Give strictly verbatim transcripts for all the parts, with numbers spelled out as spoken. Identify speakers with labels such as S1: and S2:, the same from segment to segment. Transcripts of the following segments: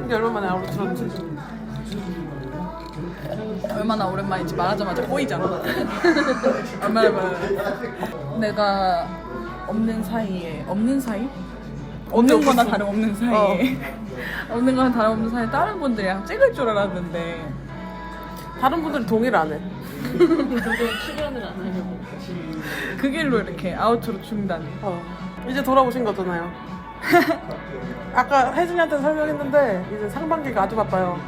S1: 이게 얼마 만에 아우로 들었지?
S2: 얼마나 오랜만인지 말하자마자 꼬이잖아. 얼마나 말해. 내가 없는 사이에 없는 사이? 없는 거나 다름없는 사이에 어. 없는 거나 다름없는 사이에 다른 분들이랑 찍을 줄 알았는데
S1: 다른 분들은 동의를 안 해.
S3: 출연을 안 하려고.
S2: 그 길로 이렇게 아우트로 중단.
S1: 어. 이제 돌아오신 거잖아요. 아까 혜진이한테 설명했는데 이제 상반기가 아주 바빠요.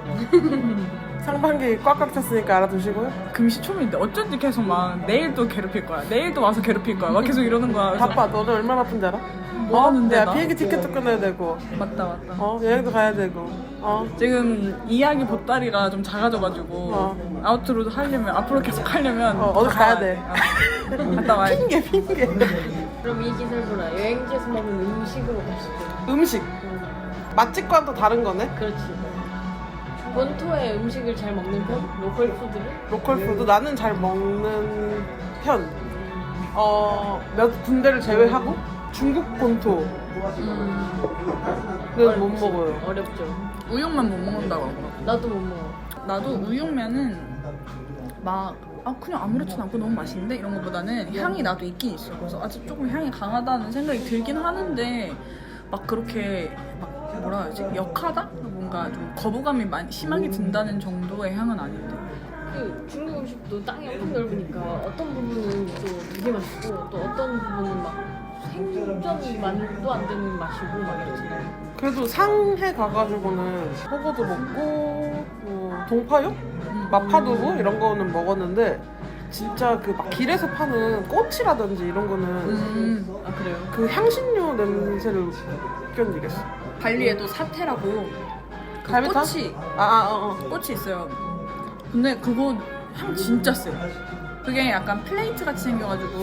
S1: 상반기 꽉꽉 찼으니까 알아두시고요.
S2: 금시초문인데 어쩐지 계속 막 내일 또 괴롭힐 거야. 내일 또 와서 괴롭힐 거야. 막 계속 이러는 거야. 그래서
S1: 바빠. 너도 얼마나 바쁜지 알아?
S2: 뭐 하는데
S1: 야,
S2: 나?
S1: 비행기 티켓도 끊어야 되고
S2: 맞다 맞다.
S1: 어 여행도 가야 되고 어
S2: 지금 이야기 보따리가 좀 작아져가지고
S1: 어.
S2: 아우트로 하려면 앞으로 계속 하려면
S1: 어, 어디
S2: 갔다
S1: 가야
S2: 와야
S1: 돼.
S2: 어. 갔다 와야 돼.
S1: 핑계 핑계.
S3: 그럼 이 기사를 보라. 여행지에서 먹는 음식으로 갔을 때.
S1: 음식 맛집과는 또 다른 거네.
S3: 그렇지. 본토의 음식을 잘 먹는 편? 로컬 푸드를?
S1: 로컬 푸드 나는 잘 먹는 편. 어, 몇 군데를 제외하고 중국 본토
S3: 음.
S1: 는 못 먹어요.
S3: 어렵죠.
S2: 우육만 못 먹는다고 하더라고.
S3: 나도 못 먹어.
S2: 나도 우육면은 막 아 그냥 아무렇지도 않고 너무 맛있는데 이런 것보다는 향이 나도 있긴 있어. 그래서 아직 조금 향이 강하다는 생각이 들긴 하는데 막 그렇게 막 뭐라 해야지 역하다? 뭔가 좀 거부감이 많이 심하게 든다는 정도의 향은 아닌데.
S3: 그 중국 음식도 땅이 엄청 넓으니까 어떤 부분은 또 되게 맛있고 또 어떤 부분은 막 생전만도 안 되는 맛이고 막 이러잖아요.
S1: 그래도 상해 가가지고는 허거도 먹고 뭐 동파육? 마파두부 이런 거는 먹었는데 진짜 그 막 길에서 파는 꼬치라든지 이런 거는
S2: 음.
S3: 아 그래요?
S1: 그 향신료 냄새를 못 견디겠어.
S2: 발리에도 사태라고 그
S1: 갈비탕?
S2: 꽃이
S1: 아, 아, 어, 어.
S2: 꽃이 있어요. 근데 그거 향 진짜 세요. 그게 약간 플레이트 같이 생겨가지고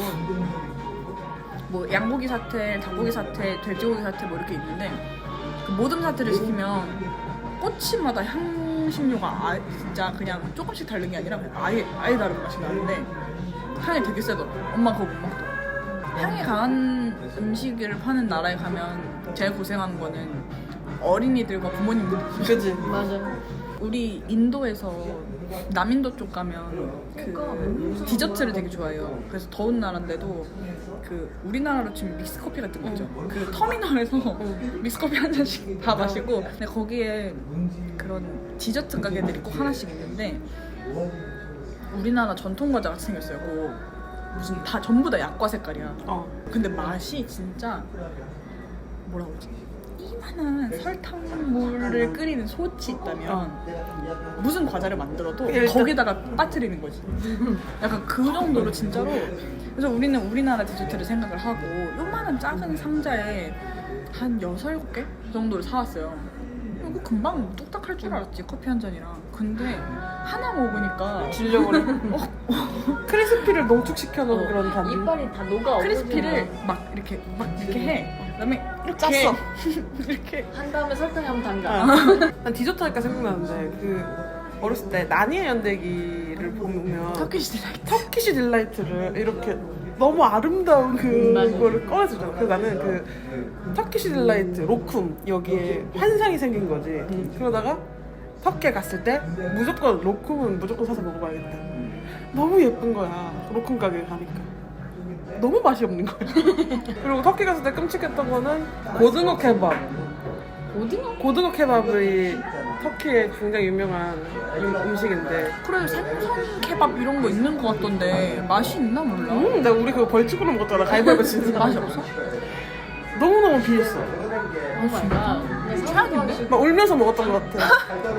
S2: 뭐 양고기 사태, 닭고기 사태, 돼지고기 사태 뭐 이렇게 있는데 그 모든 사태를 시키면 꼬치마다 향신료가 아, 진짜 그냥 조금씩 다른 게 아니라 그냥 아예 아예 다른 맛이 나는데 향이 되게 세더라. 엄마 그거 못 먹더라. 향이 강한 음식을 파는 나라에 가면 제일 고생하는 거는 어린이들과 부모님들.
S1: 그지?
S3: 맞아.
S2: 우리 인도에서 남인도 쪽 가면 그 디저트를 되게 좋아해요. 그래서 더운 나라인데도 그 우리나라로 치면 믹스커피 같은 거 있죠. 그 터미널에서 믹스커피 한 잔씩 다 마시고 근데 거기에 그런 디저트 가게들이 꼭 하나씩 있는데 우리나라 전통 과자 같이 생겼어요. 그 무슨 다 전부 다 약과 색깔이야.
S1: 어.
S2: 근데 맛이 진짜 뭐라고 하지? 이만한 설탕물을 끓이는 솥이 있다면 무슨 과자를 만들어도
S1: 일단-
S2: 거기다가 빠뜨리는 거지. 약간 그 정도로 진짜로. 그래서 우리는 우리나라 디저트를 생각을 하고 요만한 작은 상자에 한 여섯, 일곱 개 정도를 사왔어요. 이거 금방 뚝딱 할 줄 알았지, 커피 한 잔이랑. 근데 하나 먹으니까
S1: 질려버려.
S2: 어,
S1: 크리스피를 농축시켜 놓은
S3: 어,
S1: 그런 단지.
S3: 이빨이 다 녹아.
S2: 크리스피를 막 이렇게 막 이렇게 해. 그다음에 이렇게
S1: 짰어.
S2: 이렇게
S3: 한 다음에 설탕에 한번 담가.
S1: 아. 난 디저트 하니까 생각나는데 그 어렸을 때 나니의 연대기를 보면
S2: 터키시 딜라이트.
S1: 터키시 딜라이트를 이렇게 너무 아름다운
S3: 맞아.
S1: 그거를 꺼내주잖아. 그래서 나는 그 터키시 딜라이트 로쿰 여기에 환상이 생긴 거지. 그러다가 터키에 갔을 때 무조건 로쿰은 무조건 사서 먹어봐야겠다. 너무 예쁜 거야. 로쿰 가게 가니까. 너무 맛이 없는 거야. 그리고 터키 갔을 때 끔찍했던 거는 고등어 케밥.
S3: 오징어?
S1: 고등어 케밥이 터키의 굉장히 유명한 음- 음식인데
S2: 그래 생선 케밥 이런 거 있는 거 같던데 맛이 있나 몰라.
S1: 음, 나 우리 그거 벌칙으로 먹었잖아. 가위바위보 치는
S2: 맛이 없어?
S1: 너무너무 비했어.
S3: 오 마이 갓.
S2: 최악인데?
S1: 막 울면서 먹었던 것 같아.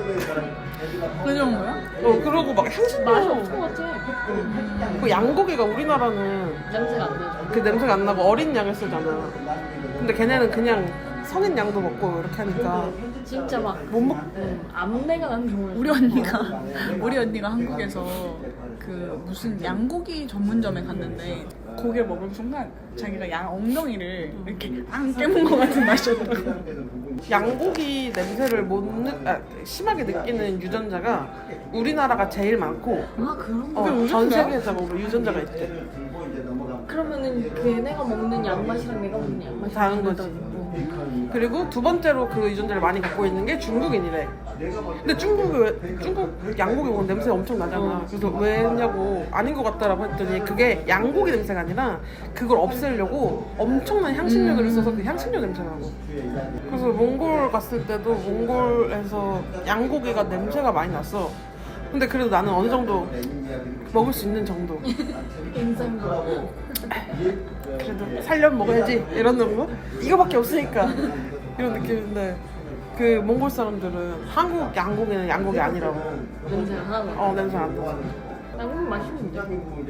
S2: 그 정도야?
S1: 어, 그러고 막 향신료.
S3: 맛이 없을 것 같아.
S1: 그 양고기가 우리나라는
S3: 냄새가 안 나죠.
S1: 그 냄새가 안 나고 어린 양을 쓰잖아. 근데 걔네는 그냥 성인 양도 먹고 이렇게 하니까
S3: 진짜 막
S1: 못 먹.
S3: 음, 암내가 나는 정말.
S2: 우리 언니가 우리 언니가 한국에서 그 무슨 양고기 전문점에 갔는데 고기를 먹은 순간 자기가 양 엉덩이를 이렇게 앙 깨문 것 같은 맛이었다고.
S1: 양고기 냄새를 못 느, 아, 심하게 느끼는 유전자가 우리나라가 제일 많고
S3: 아 그런 거.
S1: 어, 전 세계적으로 유전자가 있대.
S3: 그러면은 걔네가 먹는 양맛이랑 내가 먹는 양맛이
S1: 다른 거지.
S3: 다르다고.
S1: 그리고 두 번째로 그 유전자를 많이 갖고 있는 게 중국인이래. 근데 중국이 왜, 중국 양고기 먹으면 냄새 엄청 나잖아. 그래서 왜냐고 아닌 것 같다라고 했더니 그게 양고기 냄새가 아니라 그걸 없애려고 엄청난 향신료들을
S2: 음.
S1: 써서 그 향신료 냄새 나고. 그래서 몽골 갔을 때도 몽골에서 양고기가 냄새가 많이 났어. 근데 그래도 나는 어느 정도 먹을 수 있는 정도.
S3: 인상도
S1: 그래도 살려면 먹어야지 이런 정도? 이거밖에 없으니까 이런 느낌인데 그 몽골 사람들은 한국 양고기는 양고기 아니라고.
S3: 냄새가 하나도
S1: 어 냄새 안 나.
S3: 양고기 맛있는데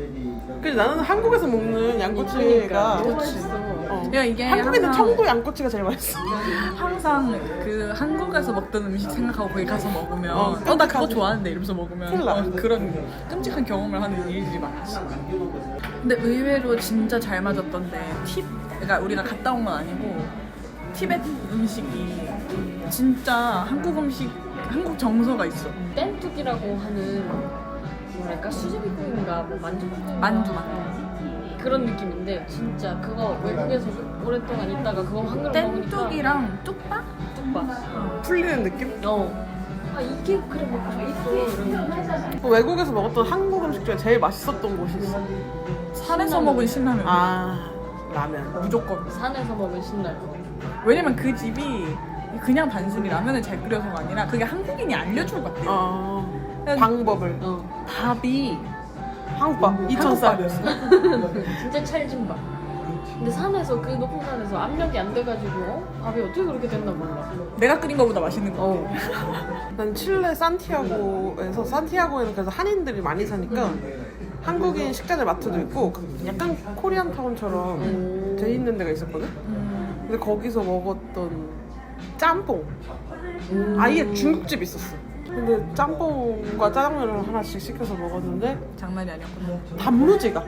S1: 근데 나는 한국에서 먹는 양꼬치가
S3: 너무
S2: 그치.
S3: 맛있어.
S1: 어.
S2: 야, 이게
S1: 한국에는
S2: 항상-
S1: 청도 양꼬치가 제일 맛있어.
S2: 항상 그 한국에서 먹던 음식 생각하고 거기 가서 먹으면
S1: 어,
S2: 어 나 그거
S1: 끔찍하지.
S2: 좋아하는데 이러면서 먹으면
S1: 큰일 나.
S2: 어, 그런 끔찍한 경험을 하는 일들이 많지. 근데 의외로 진짜 잘 맞았던데 팁 그러니까 우리가 갔다 온 건 아니고 티베트 음식이 진짜 한국 음식 한국 정서가 있어.
S3: 뗀뚝이라고 하는 뭐랄까 수제비국인가 뭐 만두국인가
S2: 만두 만두.
S3: 그런 느낌인데 진짜 그거 외국에서 오랫동안 있다가 그거 한 그릇 먹으니까
S2: 뗀뚝이랑 뚝밥?
S3: 뚝밥.
S1: 풀리는 느낌?
S3: 어. 아 이게 그래 먹고 있어. 이러면서.
S1: 외국에서 먹었던 한국 음식 중에 제일 맛있었던 곳이 있어.
S2: 산에서 먹은 신라면.
S1: 아 라면.
S2: 무조건.
S3: 산에서 먹은 신라면.
S2: 왜냐면 그 집이 그냥 단순히 라면을 잘 끓여서가 아니라 그게 한국인이 알려준 것 같아요.
S1: 어
S2: 그냥
S1: 방법을.
S3: 어.
S2: 밥이
S1: 한국밥 이천 쌀.
S3: 진짜 찰진밥. 근데 산에서 그 높은 산에서 압력이 안 돼가지고 어? 밥이 어떻게 그렇게 됐나 몰라.
S2: 내가 끓인 거보다 맛있는 거
S3: 어.
S2: 같아.
S1: 난 칠레 산티아고에서 산티아고에는 그래서 한인들이 많이 사니까 한국인 식자재 마트도 있고 약간 코리안 타운처럼
S3: 음.
S1: 돼 있는 데가 있었거든.
S2: 음,
S1: 근데 거기서 먹었던 짬뽕
S3: 음.
S1: 아예 중국집 있었어. 근데 짬뽕과 짜장면을 하나씩 시켜서 먹었는데
S2: 장난이 아니었구나.
S1: 단무지가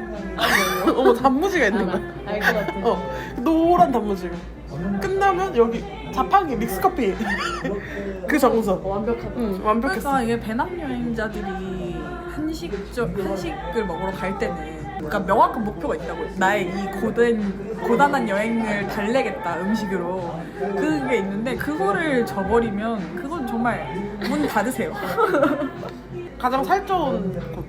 S1: 어 단무지가 있는 거야.
S3: 알것 같아.
S1: 어 노란 단무지가 끝나면 여기 자판기 믹스커피 그 정서.
S3: 어, 완벽하다.
S1: 응 완벽했어.
S2: 그러니까 이게 배낭여행자들이 한식적 한식을 먹으러 갈 때는 그러니까 명확한 목표가 있다고. 나의 이 고된 고단한 여행을 달래겠다 음식으로 그게 있는데 그거를 저버리면 그건 정말 문 닫으세요.
S1: 가장 살쪄온 곳.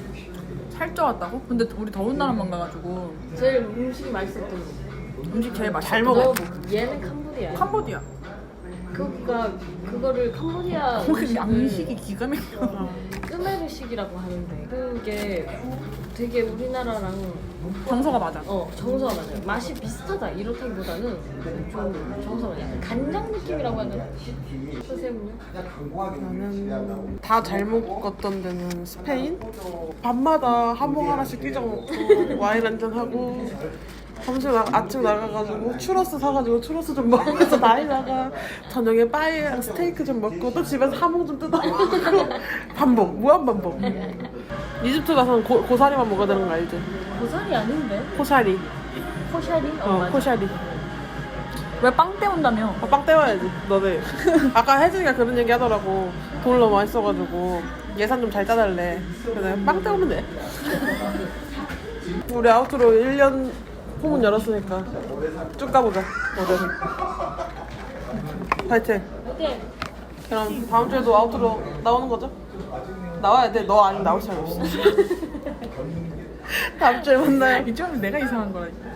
S2: 살쪄왔다고? 근데 우리 더운 나라만 가가지고
S3: 제일 음식이 맛있었던 거.
S2: 음식 제일 맛있어.
S1: 잘 먹어.
S3: 너 얘는 캄보디아야.
S2: 캄보디아.
S3: 그니까 그거를 캄보디아
S2: 거기
S3: 음식을
S2: 양식이 기가 막혀.
S3: 끄메르식이라고 하는데 그게 되게 우리나라랑
S2: 정서가 맞아.
S3: 어 정서가 맞아요. 맛이 비슷하다 이렇다기보다는 좀 정서가 약간 간장 느낌이라고 해야 되나? 선생님요?
S1: 나는 다 잘 먹었던 데는 스페인. 밤마다 한몫 하나씩 끼적 먹고 와인 한잔 하고 점심 나, 아침 나가가지고 추러스 사가지고 추러스 좀 먹으면서 나이 나가. 저녁에 빠에랑 스테이크 좀 먹고 또 집에서 하몽 좀 뜯어 먹고 반복 무한 반복. 이집트 가서는 고, 고사리만 먹어야 되는 거 알지?
S3: 고사리 아닌데?
S1: 코샤리.
S3: 코샤리? 어,
S1: 어
S3: 맞아.
S1: 코샤리.
S2: 왜 빵 때운다며?
S1: 아, 빵 때워야지 너네. 아까 혜진이가 그런 얘기 하더라고. 돈을 너무 많이 써가지고 예산 좀 잘 짜달래. 그래서 빵 때우면 돼. 우리 아웃으로 일 년 포문 열었으니까 쭉 가보자. 어제는 파이팅.
S3: 오케이.
S1: 그럼 다음 주에도 아웃으로 나오는 거죠? 나와야 돼. 너 아니면 나올 사람이 없어. 다음 주에 만나요.
S2: 이쯤은 내가 이상한 거라니까.